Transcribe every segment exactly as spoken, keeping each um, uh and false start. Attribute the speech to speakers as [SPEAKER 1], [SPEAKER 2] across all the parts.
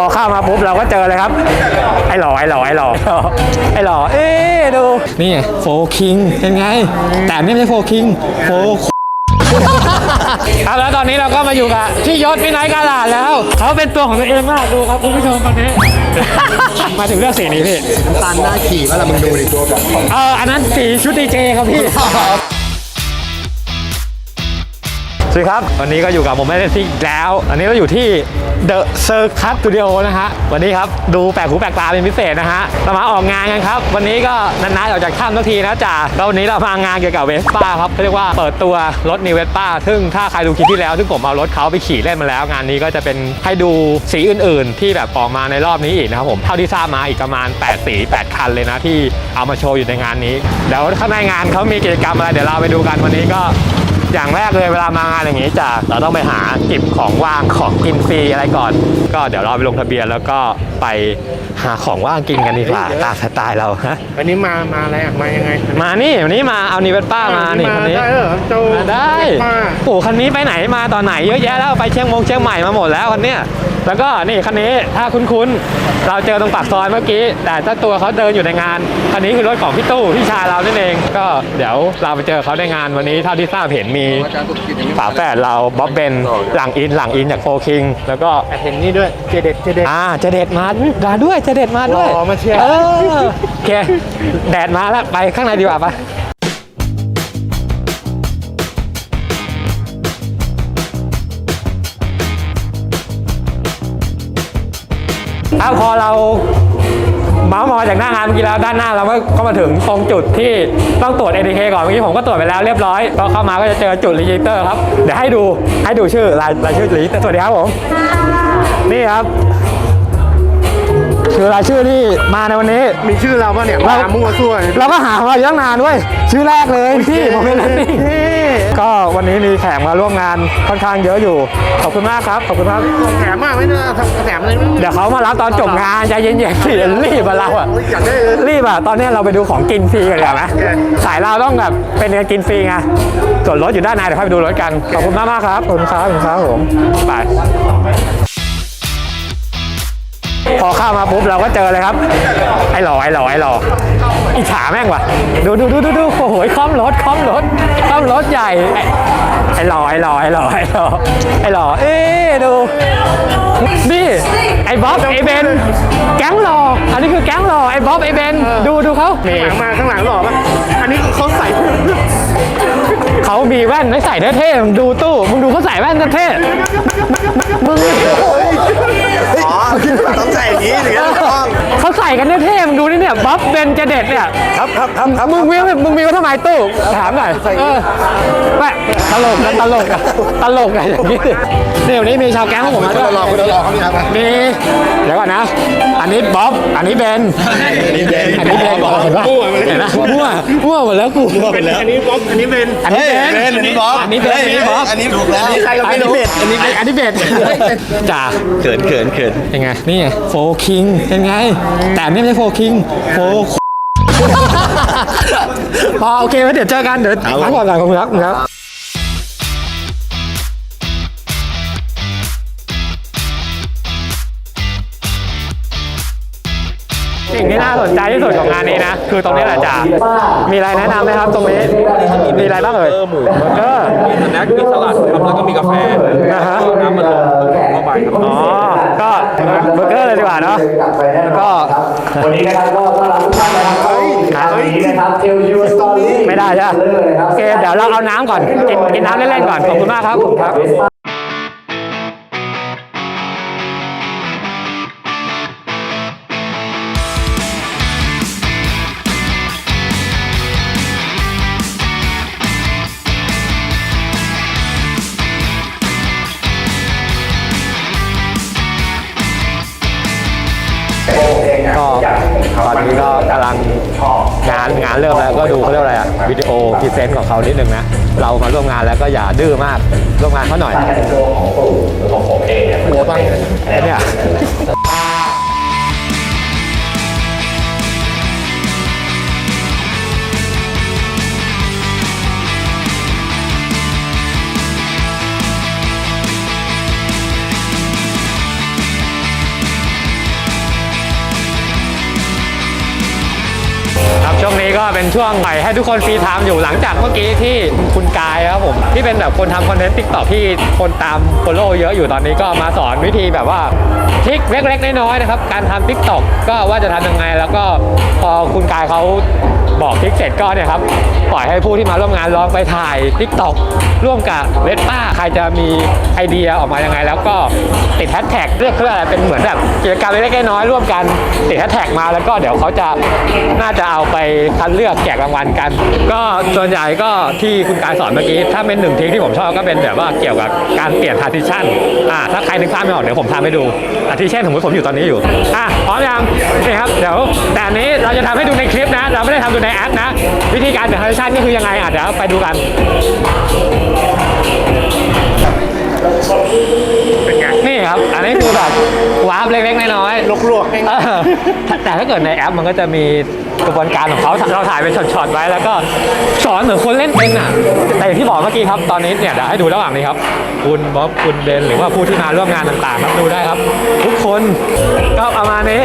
[SPEAKER 1] อเข้ามาปุ๊บเราก็เจอเลยครับไอ้หล่อไอ้หล่อไอ้หล่อไอ้หล่อเอ๊ดูนี่โฟคิงเป็นไงแต่นี่ไม่ใช่โฟคิงโฟครับแล้วตอนนี้เราก็มาอยู่กับพี่ยศพี่ไนท์กาลาดแล้วเขาเป็นตัวของตัวเองมากดูครับคุณผู้ชมตอนนี้ มาถึงเรื่องสีนี้พี่
[SPEAKER 2] ตันหน้าขี่ว่าเรามึงดูดิตัวแบบ
[SPEAKER 1] เอออันนั้นสีชุดดีเจครับพี่สวัสดีครับวันนี้ก็อยู่กับผมไม่ได้ซิ่งแล้วอันนี้เราอยู่ที่ The Circus Studio นะฮะวันนี้ครับดูแปลกหูแปลกตาเป็นพิเศษนะฮะเรามาออกงานกันครับวันนี้ก็นานๆออกจากถ้ำทุกทีนะจ่าแล้ววันนี้เรามางานเกี่ยวกับเวสป้าครับเขาเรียกว่าเปิดตัวรถนิวเวสป้าซึ่งถ้าใครดูคลิปที่แล้วซึ่งผมเอารถเขาไปขี่เล่นมาแล้วงานนี้ก็จะเป็นให้ดูสีอื่นๆที่แบบออกมาในรอบนี้อีกนะครับผมเท่าที่ทราบมาอีกประมาณแปดสีแปดคันเลยนะที่เอามาโชว์อยู่ในงานนี้เดี๋ยวข้างในงานเขามีกิจกรรมอะไรเดี๋ยวเราไปดูกันวันนี้ก็อย่างแรกเลยเวลามางานอย่างนี้จะเราต้องไปหาจิบของว่างของกินฟรีอะไรก่อนก็เดี๋ยวเราไปลงทะเบียนแล้วก็ไปหาของว่างกินกันดีกว่าตามสไตล์เราฮะ
[SPEAKER 2] วันนี้มามาอะไรอ่ะมายังไง
[SPEAKER 1] มานี่วันนี้มาเอานิเวศป้ามานี่คันนี้
[SPEAKER 2] ได้เหรอโจ
[SPEAKER 1] ได้โอ้คันนี้ไปไหนมาตอนไหนเยอะแยะแล้วไปเชียงมงเชียงใหม่มาหมดแล้วคันเนี้ยแล้วก็นี่คันนี้ถ้าคุ้นๆเราเจอตรงปากซอยเมื่อกี้แต่เจ้าตัวเขาเดินอยู่ในงานคันนี้คือรถของพี่ตู้พี่ชายเรานั่นเองก็เดี๋ยวเราไปเจอเขาในงานวันนี้เท่าที่ทราบเห็นมีฝาแฝดเราบ๊อบเบนหลังอินหลังอินจากโฟคิงแล้วก็
[SPEAKER 2] เห็นนี่ด้วยเจเด็ดเจเด็ด
[SPEAKER 1] อ่าเจเด็ดมามาด้วยเจเด็ดมาด้วย
[SPEAKER 2] มาเชียร์
[SPEAKER 1] เออโอเคแดดมาแล้วไปข้างในดีกว่าปะถ้าพอเราเมาส์มอยจากหน้างานเมื่อกี้แล้วด้านหน้าเราก็มาถึงตรงจุดที่ต้องตรวจ เอ ที เค ก่อนเมื่อกี้ผมก็ตรวจไปแล้วเรียบร้อยก็เข้ามาก็จะเจอจุดรีจิสเตอร์ครับเดี๋ยวให้ดูให้ดูชื่อรายรายชื่อรีจิสเตอร์สวัสดีครับผมนี่ครับคือรายชื่อที่มาในวันนี้
[SPEAKER 2] มีชื่อเราป่ะเนี่ยมามั่วซั่ว
[SPEAKER 1] เราก็หามาอยู่ตั้งนานด้วยชื่อแรกเลยที่ผมเป็นนี่ก็วันนี้มีแขกมาร่วมงานค่อนข้างเยอะอยู่ขอบคุณมากครับขอบคุณครับ
[SPEAKER 2] แถมมากไม่ได้แถมเลย
[SPEAKER 1] เดี๋ยวเขามารับตอนจบงานใจเย็นๆสิรีบมาเราอ่ะรีบอ่ะตอนนี้เราไปดูของกินฟรีกันดีกว่าไหมสายเราต้องแบบเป็นการกินฟรีไงส่วนรถอยู่ด้านในเดี๋ยวค่อยไปดูรถกันขอบคุณมากมากครับขอบคุณครับขอบคุณครับผมไปพอเข้ามาปุ๊บเราก็เจอเลยครับไอ้หล่อไอ้หล่อไอ้หล่ออิจฉาแม่งว่ะดูดูดูดูดูโอ้โหคล่อมรถคล่อมรถคล่อมรถใหญ่ไอ้หล่อไอ้หล่อไอ้หล่อไอ้หล่อไอ้หล่อเอ๊ดูนี่ไอ้บ๊อบไอ้เบนแก๊งหล่ออันนี้คือแก๊งหล่อไอ้บ๊อบไอ้เบนดูดูเขา
[SPEAKER 2] ข้างหลังมาข้างหลังหล่อป่ะอันนี้เขาใส่
[SPEAKER 1] เขามีแว่นไม่ใส่เท่ๆมึงดูตู้มึงดูเขาใส่แว่นเท่ๆมึง
[SPEAKER 2] อ๋อต้องใส่อย่างนี้หรือ
[SPEAKER 1] เขาใส่กันเท่ๆมึงดูนี่เนี่ยบ๊อบเบนเจเด็ดเนี่ย
[SPEAKER 2] ครับครับครับครับ
[SPEAKER 1] มึงมีมึงมีว่าทำไมตู้ถามหน่อยเออไม่ตลกนะตลกอะตลกอะอย่างนี้นี่วันนี้มีชาวแก๊งของผมมาด้วย
[SPEAKER 2] รอคุณรอเขาเนี่ยครับ
[SPEAKER 1] มีเดี๋ยวก่อนนะอันนี้บ๊อบอันนี้เบน
[SPEAKER 2] อันนี้เบน
[SPEAKER 1] อันนี้เบนบอกเห็นปะเห็นนะมั่วมั่วหมดแล้วกู
[SPEAKER 2] มั่วไปแล้วอันนี้บ๊อบอันนี้เบน
[SPEAKER 1] อันนี้เบน
[SPEAKER 2] อันนี้บ๊อบ
[SPEAKER 1] อันนี้เบนอันนี้บ๊อบ
[SPEAKER 2] อันนี้ถูกแล้วอันนี้ใครก็ไม่รู้
[SPEAKER 1] อันนี้อันนี้เบนจ่า
[SPEAKER 2] เขินเขินเขิน
[SPEAKER 1] เป็นไงนี่โฟคิงเป็นไงแต่นี่ไม่ใช่โฟคิงโฟพอโอเคเดี๋ยวเจอกันเดี๋ยวพักก่อนก่อนขอบคุณครับครับสิ่งที่น่าสนใจที่สุดของงานนี้นะคือตรงนี้แหละจ่ามีอะไรแนะนำไหมครับตรงนี้มีอะไรบ้างเอ่ย
[SPEAKER 3] หมูเบอร์เกอร์มีสแน็คมีสลัดครับแล้วก็มีกาแฟ
[SPEAKER 1] นะฮะ
[SPEAKER 3] น้ำมันลมเข้าไปครับ
[SPEAKER 1] อ๋อก็เบอร์เกอร์เลยดีกว่าเนาะแล้วก็
[SPEAKER 4] วันนี้นะครับก็ต้อนรับทุกท่านนะครับวันนี้นะครับเทลยูสตอรี่
[SPEAKER 1] ไม่ได้ใช่ไหมโอเคเดี๋ยวเราเอาน้ำก่อนกินกินน้ำเล่นๆก่อนขอบคุณมากครับครับก็ตอนนี้ก็กำลังงานงานเริ่มแล้วก็ดูเขาเรียกอะไรอะวิดีโอพรีเซนต์ของเขานิดนึงนะเรามาร่วมงานแล้วก็อย่าดื้อมากร่วมงานเขาหน่อยของผมเองหัวบ้างเนี่ยช่วงนี้ก็เป็นช่วงใหม่ให้ทุกคนฟรีไทม์อยู่หลังจากเมื่อกี้ที่คุณกายครับผมที่เป็นแบบคนทำคอนเทนต์ติ๊กต็อกที่คนตามโฟโล่เยอะอยู่ตอนนี้ก็มาสอนวิธีแบบว่าทริคเล็กๆน้อยๆนะครับการทำติ๊กต็อกก็ว่าจะทำยังไงแล้วก็พอคุณกายเขาบอกทริคเสร็จก็เนี่ยครับปล่อยให้ผู้ที่มาร่วมงานลองไปถ่ายติ๊กต็อกร่วมกับเวสป้าใครจะมีไอเดียออกมายังไงแล้วก็ติดแฮชแท็กเรียกเพื่ออะไรเป็นเหมือนแบบกิจกรรมเล็กๆน้อยๆร่วมกันติดแฮชแท็กมาแล้วก็เดี๋ยวเขาจะน่าจะเอาไปคัดเลือกแจกรางวัลกันก็ส่วนใหญ่ก็ที่คุณกายสอนเมื่อกี้ถ้าเป็นหนึ่งทริคที่ผมชอบก็เป็นแบบว่าเกี่ยวกับการเปลี่ยน transition อ่าถ้าใครนึกภาพไม่ออกเดี๋ยวผมทำให้ดูอาทิเช่นสมมติผมอยู่ตอนนี้อยู่อ่ะพร้อมยังนี่ครับเดี๋ยวแต่อันนี้เราจะทำให้ดูในคลิปนะเราไม่ได้ทำดูในแอปนะวิธีการเปลี่ยน transition ก็คือยังไงอ่ะเดี๋ยวไปดูกันนี่ครับอันนี้คือแบบวาร์ปเล็กๆน้อยๆลวกๆเออแต่ถ้าเกิดในแอปมันก็จะมีกระบวนการของเขาเราถ่ายเป็นช็อตๆไว้แล้วก็สอนเหมือนคนเล่นเป็นอ่ะแต่อย่างที่บอกเมื่อกี้ครับตอนนี้เนี่ยเดี๋ยวให้ดูระหว่างนี้ครับคุณบ๊อบคุณเบนหรือว่าผู้ที่มาร่วมงานต่างๆครับดูได้ครับทุกคนก็ประมาณนี้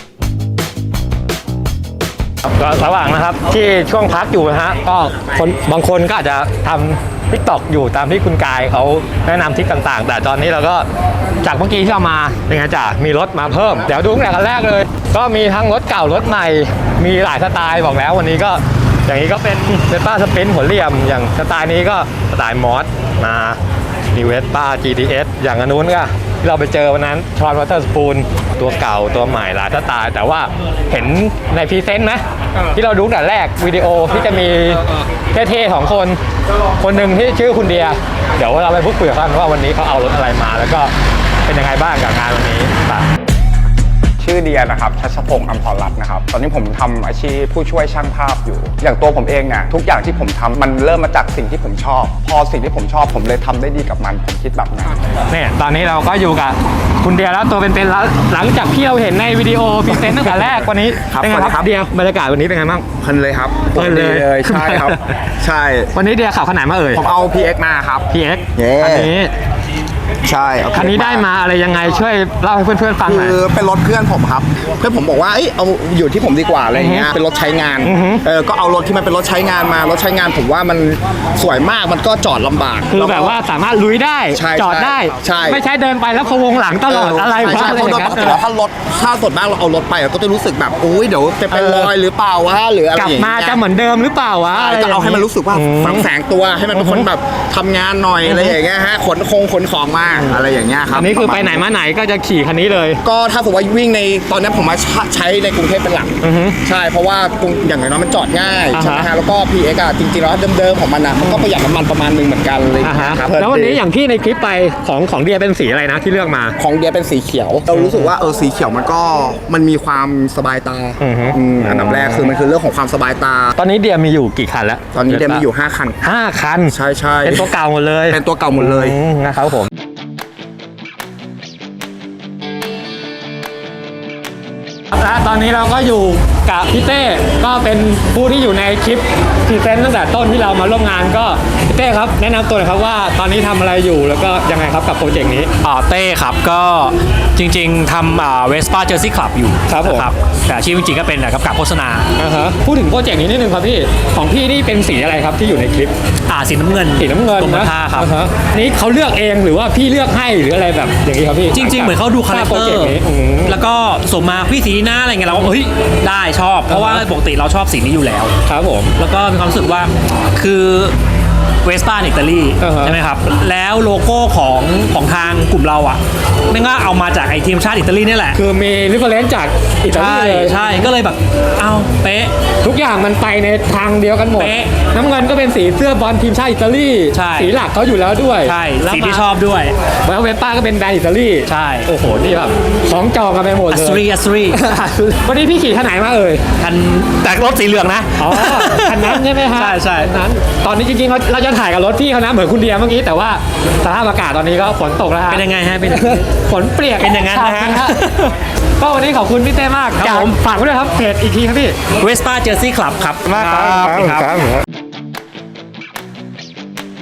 [SPEAKER 1] ก็ระหว่างนะครับที่ช่วงพักอยู่นะฮะก็คนบางคนก็อาจจะทำทิกตอกอยู่ตามที่คุณกายเขาแนะนำทริคต่างๆแต่ตอนนี้เราก็จากเมื่อกี้ที่เรามาเป็นไงจ้ะมีรถมาเพิ่มเดี๋ยวดูตั้งแต่กันแรกเลยก็มีทั้งรถเก่ารถใหม่มีหลายสไตล์บอกแล้ววันนี้ก็อย่างนี้ก็เป็นเวสป้าสปรินท์หัวเหลี่ยมอย่างสไตล์นี้ก็สไตล์มอสมามีเวสป้า จี ที เอส อย่างอันนู้นก็ที่เราไปเจอวันนั้นทรอนวอเตอร์สปูนตัวเก่าตัวใหม่หลายสไตล์แต่ว่าเห็นในพรีเซนต์ไหมที่เราดูตั้งแต่แรกวิดีโอที่จะมีเท่ๆของคนคนหนึ่งที่ชื่อคุณเดียเดี๋ยวเราไปพูดคุยกับเขาว่าวันนี้เขาเอารถอะไรมาแล้วก็เป็นยังไงบ้างกับงานวันนี้
[SPEAKER 2] ชื่อเดียนะครับชัชพงศ์อำพรรัตน์นะครับตอนนี้ผมทำอาชีพผู้ช่วยช่างภาพอยู่อย่างตัวผมเองเนี่ยทุกอย่างที่ผมทำมันเริ่มมาจากสิ่งที่ผมชอบพอสิ่งที่ผมชอบผมเลยทำได้ดีกับมันผมคิดแบบนั้น
[SPEAKER 1] เนี่ยตอนนี้เราก็อยู่กับคุณเดียแล้วตัวเป็นๆแล้วหลังจากที่เราเห็นในวิดีโอพรีเซนต์ตั้งแต่แรกวันนี้เป็นไงครับเดียบรรยากาศวันนี้เป็นไงบ้าง
[SPEAKER 2] เพลินเลยครับ
[SPEAKER 1] เพลินเลย
[SPEAKER 2] ใช่ครับใช่
[SPEAKER 1] วันนี้เดียขับขนาดมาเอ่ย
[SPEAKER 2] ผมเอา พี เอ็กซ์ มาครับ
[SPEAKER 1] พี เอ็กซ์ อันนี้
[SPEAKER 2] ใช่
[SPEAKER 1] คันนี้ได้มาอะไรยังไงช่วยเล่าให้เพื่อนๆฟังหน่อย
[SPEAKER 2] คือเป็นรถเพื่อนผมครับเพื่อนผมบอกว่าเอ้ยเอาอยู่ที่ผมดีกว่าอะไรเงี้ยเป็นรถใช้งานเออก็เอารถที่มันเป็นรถใช้งานมารถใช้งานผมว่ามันสวยมากมันก็จอดลำบาก
[SPEAKER 1] คือแบบว่าสามารถลุยได้จอดได้ไม่ใช่เดินไปแล้วพะวงหลังตลอดอะไรวะอะไรอย่างเงี้ย
[SPEAKER 2] แต่ถ้ารถถ้าสดมากเราเอารถไปก็จะรู้สึกแบบอุ้ยเดี๋ยวจะเป็นรอยหรือเปล่าวะหรืออะไร
[SPEAKER 1] กลับมาจะเหมือนเดิมหรือเปล่าวะ
[SPEAKER 2] จะเอาให้มันรู้สึกว่าฝังแสงตัวให้มันเป็นคนแบบทำงานหน่อยอะไรอย่างเงี้ยฮะขนคงขนของมาอะไรอย่างเงี้ย
[SPEAKER 1] อันนี้คือไปไหนมาไหนก็จะขี่คันนี้เลย
[SPEAKER 2] ก็ถ้าสมมติว่าวิ่งในตอนนี้ผมมาใช้ในกรุงเทพเป็นหลักใช่เพราะว่าอย่างน้อยมันจอดง่ายใช่ไหมฮะแล้วก็ พี เอ็กซ์ อ่ะจริงๆแล้วเดิมๆของมันอ่ะมันก็ประหยัดน้ำมันประมาณนึงเหมือนกันเลย
[SPEAKER 1] ครับแล้ววันนี้อย่างที่ในคลิปไปของของเดียเป็นสีอะไรนะที่เลือกมา
[SPEAKER 2] ของเดียเป็นสีเขียวเรารู้สึกว่าเออสีเขียวมันก็มันมีความสบายตาอันดับแรกคือมันคือเรื่องของความสบายตา
[SPEAKER 1] ตอนนี้เดียมีอยู่กี่คันแล้ว
[SPEAKER 2] ตอนนี้เดียมีอยู่ห้าคัน
[SPEAKER 1] ห้าคัน
[SPEAKER 2] ใช่ใช่
[SPEAKER 1] เป็นตัวเก่าหมดเลย
[SPEAKER 2] เป็นตัวเก่าหมดเลย
[SPEAKER 1] นะครับผมและตอนนี้เราก็อยู่กับพี่เต้ก็เป็นผู้ที่อยู่ในคลิปพรีเซนต์ตั้งแต่ต้นที่เรามาร่วมงานก็พี่เต้ครับแนะนำตัวหน่อยครับว่าตอนนี้ทำอะไรอยู่แล้วก็ยังไงครับกับโปรเจกต์นี้
[SPEAKER 5] อ่าเต้ครับก็จริงๆทำอ่าเวสป้าเจอร์ซี่คลับอยู่
[SPEAKER 1] ครับผม
[SPEAKER 5] แต่อาชีพจริงๆก็เป็นกับกับโฆษณา
[SPEAKER 1] อ่าฮะพูดถึงโปรเจกต์นี้นิดนึงครับพี่ของพี่นี่เป็นสีอะไรครับที่อยู่ในคลิป
[SPEAKER 5] อ่าสีน้ำเงิน
[SPEAKER 1] สีน้ำเงินนะครับนี่เขาเลือกเองหรือว่าพี่เลือกให้หรืออะไรแบบอย่างนี้ครับพี่
[SPEAKER 5] จริงๆเหมือนเขาดูคาแรคเตอร์แล้วก็ส่งมาพี่สีหน้าอะไรเงี้ยเราเฮ้ยได้ชอบเพราะว่าปกติเราชอบสีนี้อยู่แล้ว
[SPEAKER 1] ครับผม
[SPEAKER 5] แล้วก็มีความรู้สึกว่าคือเวสป้าอิตาลีใช่ไหมครับแล้วโลโก้ของของทางกลุ่มเราอ่ะไม่ก็เอามาจากไอทีมชาติอิตาลีนี่แหละ
[SPEAKER 1] คือมีริฟเฟอเรนซ์จากอิตาลีเลย
[SPEAKER 5] ใช่ก็เลยแบบเอาเป๊ะ
[SPEAKER 1] ทุกอย่างมันไปในทางเดียวกันหมดน้ำเงินก็เป็นสีเสื้อบอลทีมชาติอิตาลีสีหลักเขาอยู่แล้วด้วย
[SPEAKER 5] ใช่สีที่ชอบด้วย
[SPEAKER 1] แล้วเวสป้าก็เป็นแบรนด์อิตาลี
[SPEAKER 5] ใช่
[SPEAKER 1] โอ้โหนี่แบบของจองกันไปหมดเลย
[SPEAKER 5] อัสรีอัสรี
[SPEAKER 1] วันนี้พี่ขี่คันไหนมาเอ่ย
[SPEAKER 5] คันแต่รถสีเหลืองนะ
[SPEAKER 1] อ๋อคันนั้นใช่ไหมฮะ
[SPEAKER 5] ใช่ใช่
[SPEAKER 1] นั้นตอนนี้จริงๆเราจะถ่ายกับรถพี่เขานะเหมือนคุณเดียเมื่อกี้แต่ว่าสภาพอากาศตอนนี้ก็ฝนตกแล้วฮะ
[SPEAKER 5] เป็นยังไงฮะเป็น
[SPEAKER 1] ฝนเปียก
[SPEAKER 5] เป็นอย่างนั้นนะฮะ
[SPEAKER 1] ก็วันนี้ขอบคุณพี่เต้มาก
[SPEAKER 5] ครับผม
[SPEAKER 1] ฝากไว้ด้วยครับเพจอีกทีครับพี่
[SPEAKER 5] เวสป้าเจอร์ซี่คลับครับ
[SPEAKER 1] มากครับ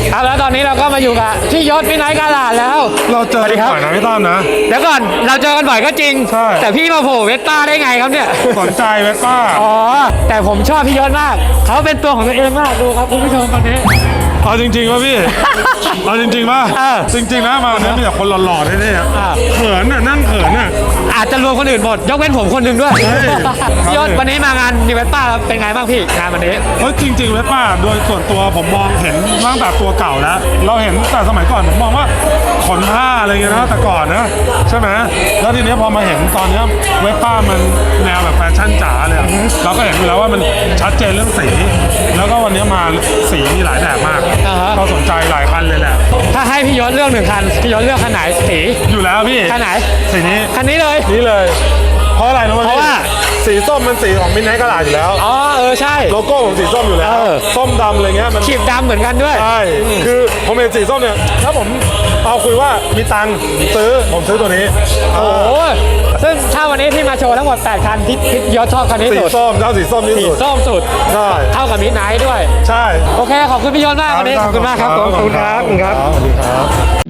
[SPEAKER 1] ครับแล้วตอนนี้เราก็มาอยู่กับพี่ยศพี่ไนท์กาลาดแล้ว
[SPEAKER 6] เราเจอ
[SPEAKER 1] สวัสดี
[SPEAKER 6] กัน
[SPEAKER 1] ครับ
[SPEAKER 6] บ่อยนะพี่ตั้มนะ
[SPEAKER 1] เดี๋ยวก่อนเราเจอกันบ่อยก็จริง
[SPEAKER 6] ใช่
[SPEAKER 1] แต่พี่มาโผล่เวสป้าได้ไงครับเนี่ย
[SPEAKER 6] สนใจเวสป้า
[SPEAKER 1] อ๋อแต่ผมชอบพี่ยศมากเขาเป็นตัวของตัวเองมากดูครับคุณผู้ชมตอนนี้
[SPEAKER 6] เอาจริงๆป่ะพี่ เอาจริงๆป่ะ
[SPEAKER 1] เออ
[SPEAKER 6] จริงๆนะมาเนี่ยมีแต่คนหล่อๆแน่ๆอะ
[SPEAKER 1] อ่า
[SPEAKER 6] เขินน่ะนั่งเขินน่ะ
[SPEAKER 1] อาจจะรวมคนอื่นหมดยกเว้นผมคนหนึ่งด้วย
[SPEAKER 6] เฮ้ย
[SPEAKER 1] พี่ยศวันนี้มางานนิเวสป้าเป็นไงบ้างพี่งานวันนี้
[SPEAKER 6] เพราะจริงๆเวสป้าโดยส่วนตัวผมมองเห็นตั้งแต่ตัวเก่าแล้ว เราเห็นแต่สมัยก่อนผมมองว่าขนผ้าอะไรเงี้ยนะแต่ก่อนนะใช่ไหมแล้วทีเนี้ยพอมาเห็นตอนเนี้ยเวสป้ามันแนวแบบแฟชั่นจ๋าเลยอะเราก็เห็นอยู่แล้วว่ามันชัดเจนเรื่องสี แล้วก็วันนี้มาสีมีหลายแบบมาก
[SPEAKER 1] อ่าฮะ
[SPEAKER 6] เราสนใจหลายคันเลยแหละ
[SPEAKER 1] ถ้าให้พี่ยศเลือกหนึ่งคันพี่ยศเลือกคันไหนสี
[SPEAKER 6] อยู่แล้วพี่
[SPEAKER 1] คันไหน
[SPEAKER 6] สีนี้
[SPEAKER 1] คันนี้เลย
[SPEAKER 6] นี่เลย เพราะอะไรรู้ไหม
[SPEAKER 1] เพราะว่า
[SPEAKER 6] สีส้มมันสีของมินไนท์กระดาษอยู่แล้ว
[SPEAKER 1] อ๋อเออใช่
[SPEAKER 6] โลโก้ผมสีส้มอยู่แล้ว
[SPEAKER 1] เออ
[SPEAKER 6] ส้มดำอะไรเงี้ยมัน
[SPEAKER 1] ขีบดำเหมือนกันด้วย
[SPEAKER 6] ใช่คือผมเห็นสีส้มเนี่ยถ้าผมเอาคุยว่ามีตังค์ซื้อผมซื้อตัวนี้
[SPEAKER 1] โอ้โหซึ่งถ้าวันนี้ที่มาโชว์ทั้งหมดแปดคันที่พี่ยศชอบคันนี้
[SPEAKER 6] สี
[SPEAKER 1] สุด
[SPEAKER 6] ส้มเจ้าสีส้มที่
[SPEAKER 1] สี
[SPEAKER 6] สุด
[SPEAKER 1] ส้มสุด
[SPEAKER 6] ใช่
[SPEAKER 1] เท่ากับมิดไนท์ด้วย
[SPEAKER 6] ใช่
[SPEAKER 1] โอเคขอบคุณพี่ยศมากวันนี้ขอบคุณมากครับผมขอบคุณครับขอบคุณครับ
[SPEAKER 6] สวัสดีครับ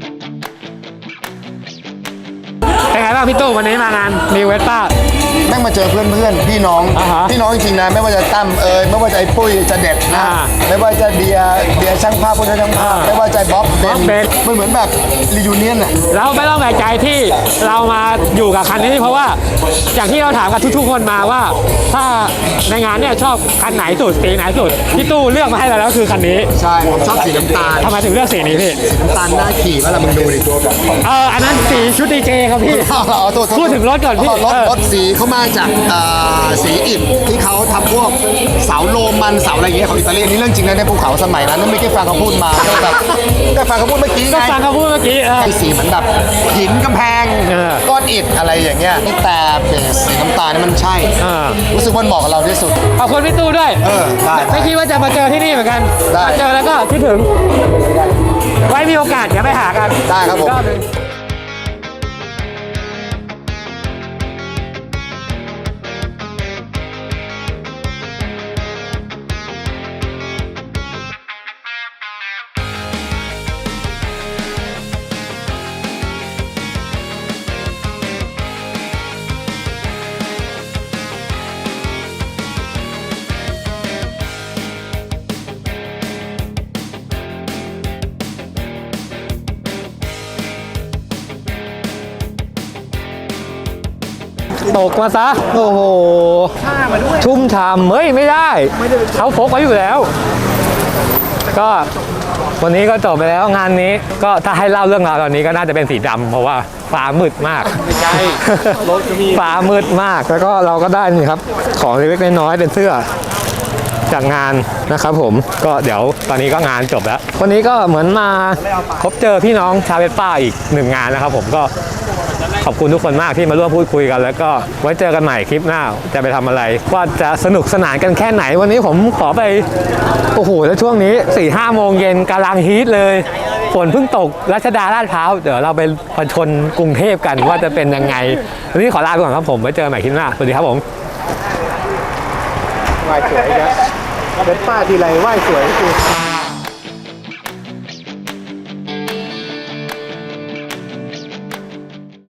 [SPEAKER 1] เป็นไงบ้างพี่ตู้วันนี้มางานนิเวสป้า
[SPEAKER 7] แม่งมาเจอเพื่อนเพื่อนๆพี่น้อง
[SPEAKER 1] อ่าฮะ
[SPEAKER 7] พี่น้องจริงๆนะไม่ว่าจะตั้มเอยไม่ว่าจะไอ้ปุ้ยจะเด็ดนะ
[SPEAKER 1] อ่า
[SPEAKER 7] ไม่ว่าจะเดียเดียช่างภาพผู้ช่างภาพไม่ว่าจะบ๊อบเบ
[SPEAKER 1] บ๊อบเบน
[SPEAKER 7] นมันเหมือนแบบรียูเนียนอะ
[SPEAKER 1] เราไม่ต้องแปลกใจที่เรามาอยู่กับคันนี้เพราะว่าอย่างที่เราถามกับทุกๆคนมาว่า ถ้าในงานเนี่ยชอบคันไหนสุดสีไหนสุดพี่ตู้เลือกมาให้เราแล้วคือคันนี้
[SPEAKER 7] ใช่ผมชอบสีน้ำตาล
[SPEAKER 1] ทำไมถึงเลือกสีนี้พี่
[SPEAKER 7] น้ำตาลหน้าขี่ว่าเรามึงดูดิ
[SPEAKER 1] เอออันนั้นสีชุดดีเจครับพี่
[SPEAKER 7] เอาโทษโทษ
[SPEAKER 1] พูดถึงรถก่อนพี่
[SPEAKER 7] รถ
[SPEAKER 1] เออ
[SPEAKER 7] รถสีเขามาจากเอ่อสีอิฐที่เขาทำพวกเสาโรมันเสาอะไรอย่างเงี้ยของอิตาลีอันนี่เรื่องจริงนะในภูเขาสมัยนั้นนั่นไม่ใช่ฟังเขาพูดมาก็แบบก็ฟังเขาพูดเมื่อกี้
[SPEAKER 1] ก็
[SPEAKER 7] ไง
[SPEAKER 1] ฟังเขาพูดเมื่อกี้เออ
[SPEAKER 7] ไอ้สีเหมือนแบบหินกำแพง
[SPEAKER 1] เออ
[SPEAKER 7] ก้อนอิฐอะไรอย่างเงี้ยแต่เบสสีน้ำตาลนี่มันใช่
[SPEAKER 1] เออ
[SPEAKER 7] รู้สึกว่าเหมาะกับเราที่สุด
[SPEAKER 1] ขอบคุณพี่ตู้ด้วย
[SPEAKER 7] เออได้
[SPEAKER 1] ไม่คิดว่าจะมาเจอที่นี่เหมือนกัน
[SPEAKER 7] ได้
[SPEAKER 1] มาเจอแล้วก็คิดถึง ไว้มีโอกาสเดี๋ยวไปหากัน
[SPEAKER 7] ได้ครับผม
[SPEAKER 1] อีกอบหนึ่งตกมาซะ โอ้โหชุ่มฉ่ำเฮ้ย ไม่ได้เขาพกไว้อยู่แล้ว ก็วันนี้ก็จบไปแล้วงานนี้ก็ถ้าให้เล่าเรื่องราวตอนนี้ก็น่าจะเป็นสีดำเพราะว่าฟ้ามืดมากไม่ใช่รถก็มีฟ้ามืดมากแล้วก็เราก็ได้นี่ครับของเล็กๆน้อยๆเป็นเสื้อจากงานนะครับผมก็เดี๋ยวตอนนี้ก็งานจบแล้ว วันนี้ก็เหมือนมาพบเจอพี่น้องชาวเวสป้าอีกหนึ่งงานนะครับผมก็ขอบคุณทุกคนมากที่มาร่วมพูดคุยกัน แล้วก็ไว้เจอกันใหม่คลิปหน้าจะไปทำอะไรว่าจะสนุกสนานกันแค่ไหนวันนี้ผมขอไปโอ้โหแล้วช่วงนี้สี่ห้าโมงเย็นกำลังฮีทเลยฝนเพิ่งตกรัชดาลาดพร้าวเดี๋ยวเราไปผจญกรุงเทพกันว่าจะเป็นยังไงวันนี้ขอลาไปก่อนครับผมไว้เจอกันใหม่คลิปหน้าสวัสดีครับผม
[SPEAKER 7] ไหว้สวยนะเป็นป้าทีไรไหว้สวยคือ